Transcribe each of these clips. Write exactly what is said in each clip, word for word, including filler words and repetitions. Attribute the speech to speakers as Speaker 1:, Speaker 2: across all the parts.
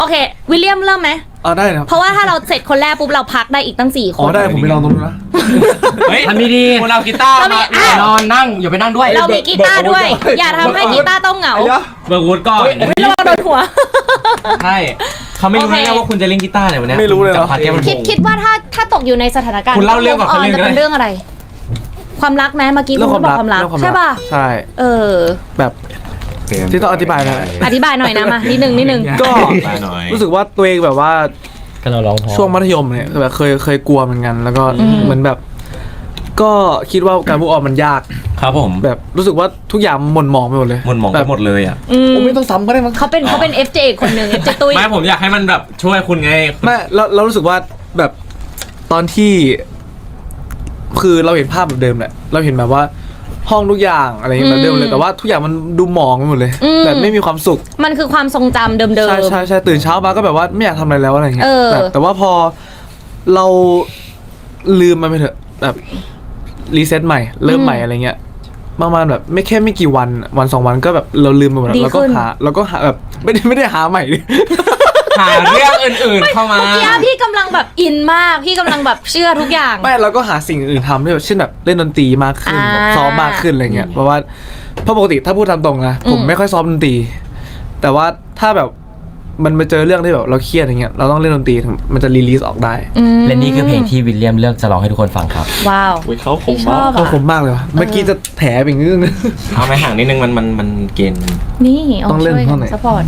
Speaker 1: โอเควิลเลียมเริ่มไหม
Speaker 2: อ๋อได้ครับ
Speaker 1: เพราะว่าถ้าเราเสร็จคนแรกปุ๊บเราพักได้อีกตั้งสี่ค
Speaker 2: อ๋อน ได้ผมไปลองตรงนู้นนะ
Speaker 3: เฮ้ย
Speaker 4: ทำดีๆ
Speaker 3: คุณเอากีตาร์
Speaker 1: เรามี
Speaker 3: มา
Speaker 1: อ่ะ
Speaker 4: นอนนั่งอย่าไปนั่งด้วย
Speaker 1: เรามีกีตาร์ด้วย อย่าทำให้กีตาร์ต้องเหงา
Speaker 3: เบิร์กวูดก่อน
Speaker 1: ไม่ระวังโดนหัว
Speaker 3: ใช่เขาไม่รู้
Speaker 1: โอเค
Speaker 3: แน่ว่าคุณจะเล่นกีตาร์เนี่ยวันนี้
Speaker 2: ไม่รู้เลยเหรอ
Speaker 3: จับพาร์ทแก้มมัน
Speaker 1: คิดคิดว่าถ้าถ้าตกอยู่ในสถานการณ์
Speaker 3: คุณเล่าเรื่องก่อน
Speaker 1: ออน
Speaker 3: คนหนึ่ง
Speaker 1: จะ
Speaker 3: ก็ได้
Speaker 1: เป็นเรื่องอะไร ความรักไหมเมื่อกี้
Speaker 2: เรื่
Speaker 1: คุ
Speaker 2: อง
Speaker 1: ณ
Speaker 2: ความ
Speaker 1: บอก
Speaker 2: รัก
Speaker 1: ความรัก
Speaker 2: เรื่องความ
Speaker 1: ใช่ป่ะ
Speaker 2: ใช่
Speaker 1: เออ
Speaker 2: แบบที่ต้องอธิบายนะ
Speaker 1: อธิบายหน่อยนะมานิดนึงนิดนึง
Speaker 2: ก็
Speaker 3: ไปหน่อย
Speaker 2: รู้สึกว่าตัวเองแบบว่า
Speaker 4: ก็เราร้องพอ
Speaker 2: ช่วงมัธยมเนี่ยแบบเคยเคยกลัวเหมือนกัน แล้วก็เหมือนแบบ ก็คิดว่าการพูดออกมันยาก
Speaker 3: ครับผม
Speaker 2: แบบรู้สึกว่าทุกอย่างหม่นหมองไปหมดเลย
Speaker 3: หมดหมอง
Speaker 2: แบ
Speaker 3: ไป
Speaker 2: บ
Speaker 3: หมดเลยอ่ะ
Speaker 1: อืม
Speaker 2: โอ้ไม่ต้องซ้ำก็ได้มั้ง
Speaker 1: เขาเป็นเขาเป็น เอฟ เจ อีกคนหนึ่ง เอฟ เจ ตุ้ย
Speaker 3: ไม่ผมอยากให้มันแบบช่วยคุณไง
Speaker 2: ไม่เราเรารู้สึกว่าแบบตอนที่ คือเราเห็นภาพแบบเดิมแหละเราเห็นแบบว่าห้องทุกอย่างอะไรอย่างเงี้ยแบบเดิมเลยแต่ว่าทุกอย่างมันดูหมองไปหมดเลยแบบไม่มีความสุข
Speaker 1: มันคือความทรงจำเดิม
Speaker 2: ใช่ใช่ใช่ตื่นเช้ามาก็แบบว่าไม่อยากทำอะไรแล้วอะไรเงี้ย
Speaker 1: เออ
Speaker 2: แบบแต่ว่าพอเราลืมมันไปเถอะแบบรีเซ็ตใหม่เริ่มใหม่อะไรเงี้ยประมาณแบบไม่แค่ไม่กี่วันวันสองวันก็แบบเราลืมไปหมดแล้วเราก็หาเราก็หาแบบไม่ได้ไม่ได้หาใหม่ดิ
Speaker 3: หาเรื่องอื่นๆเข้ามา
Speaker 1: เมื่อกี้พี่กำลังแบบอินมาก พี่กำลังแบบเชื่อทุกอย่าง
Speaker 2: ไม่เราก็หาสิ่งอื่นทำด้วยแบบเช่นแบบเล่นดนตรีมากขึ้น
Speaker 1: อ่า
Speaker 2: แบบซ้อมมากขึ้นอะไรเงี้ยเพราะว่าเพราะปกติถ้าพูดตามตรงนะผม
Speaker 1: อืม
Speaker 2: ไม่ค่อยซ้อมดนตรีแต่ว่าถ้าแบบมันมาเจอเรื่องที่แบบเราเครียดอย่างเงี้ยเราต้องเล่นดนตรีถึงมันจะรีลีสออกได้
Speaker 1: อืม
Speaker 4: และนี่คือเพลงที่วิลเลียมเลือกจะร้องให้ทุกคนฟังครับ
Speaker 1: ว้าว
Speaker 2: อุ๊ยเขาคม
Speaker 1: พี่ชอบ
Speaker 2: เขา
Speaker 1: อ่ะ
Speaker 2: คมมากเลยวะเมื่อกี้จะแถไปอีกนิดนึง
Speaker 3: เอาไปห่างนิดนึงมันมันมันเกณฑ์
Speaker 1: นี่
Speaker 2: ต้องเล่น
Speaker 1: ช่วย
Speaker 2: ท่อนไหน
Speaker 1: ซัพพอร์ต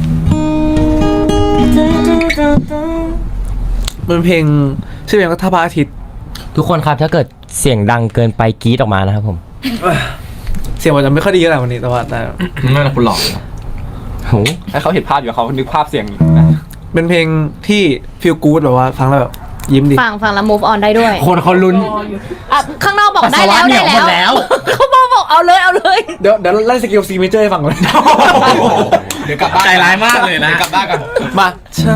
Speaker 2: มันเพลงชื่อเพลงก็ท่าพระอาทิตย์
Speaker 4: ทุกคนครับถ้าเกิดเสียงดังเกินไปกรี๊ดออกมานะครับผม
Speaker 2: เสียงมันจะไม่ค่อยดีเท่าไหร่วันนี้แต่ว่าแต่
Speaker 3: นั่นแหละคุณหลอก
Speaker 4: โห
Speaker 5: ให้เขาเห็นภาพอยู่เขานึกภาพเสียงนะ
Speaker 2: เป็นเพลงที่ฟีลกู๊ดแบบว่าฟังแล้วแบบยิ้มดี
Speaker 1: ฟังฟังแล้ว move on ได้ด้วย
Speaker 4: คนเขาลุ้น
Speaker 1: อ่ะข้างนอกบอกได้แล้ว
Speaker 4: ปัสสาวะเหนี
Speaker 1: ได้
Speaker 4: ยวหมดแล้
Speaker 1: แล้ว ว เขาบอกบอกเอาเลยเอาเลย
Speaker 2: เดี๋ยวเดี๋ยวไล่สกิลซีเมเจอร์ให้ฟังเลย
Speaker 5: เดี๋ยวกลับบ้าน
Speaker 3: ใจร้ายมากเลยนะ
Speaker 5: ดี๋วกลับบ้านกัน
Speaker 2: มาเธอ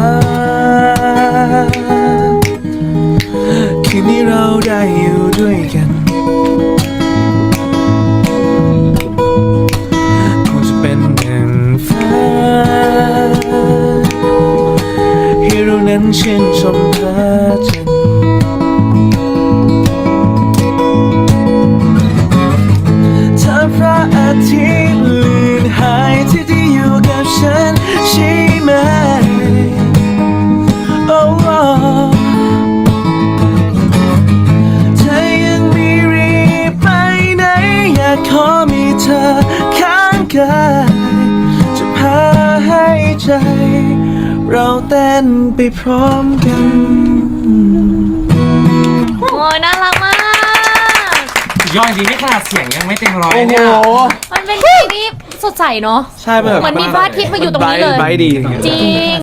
Speaker 2: คืนนี้เราได้อยู่ด้วยกันคงจะเป็นหนึ่งฟ้าให้เรานั้นชื่นชมพระจันทร์ถ้าพระอาทิตย์เลือนหายที่ที่อยู่กับฉันใช่ไหม โอ้โอ้เธอยังไม่รีบไปไหนอยากขอมีเธอข้างกายจะพาให้ใจ เราเต้นไปพร้อมกัน
Speaker 1: โอ้ยน่ารักมาก
Speaker 3: ย่อยจริงนี่ขนาดเสียงยังไม่เต็มร้อย
Speaker 2: โอ้โห
Speaker 3: เนี่ย
Speaker 1: มันเป็นเพลงที่สดใสเนาะ
Speaker 2: ใช่แบบ
Speaker 1: เหมือนมีพระอาทิตย์มาอยู่ตรงนี้เลย
Speaker 2: ไบรท์ดี
Speaker 1: จริง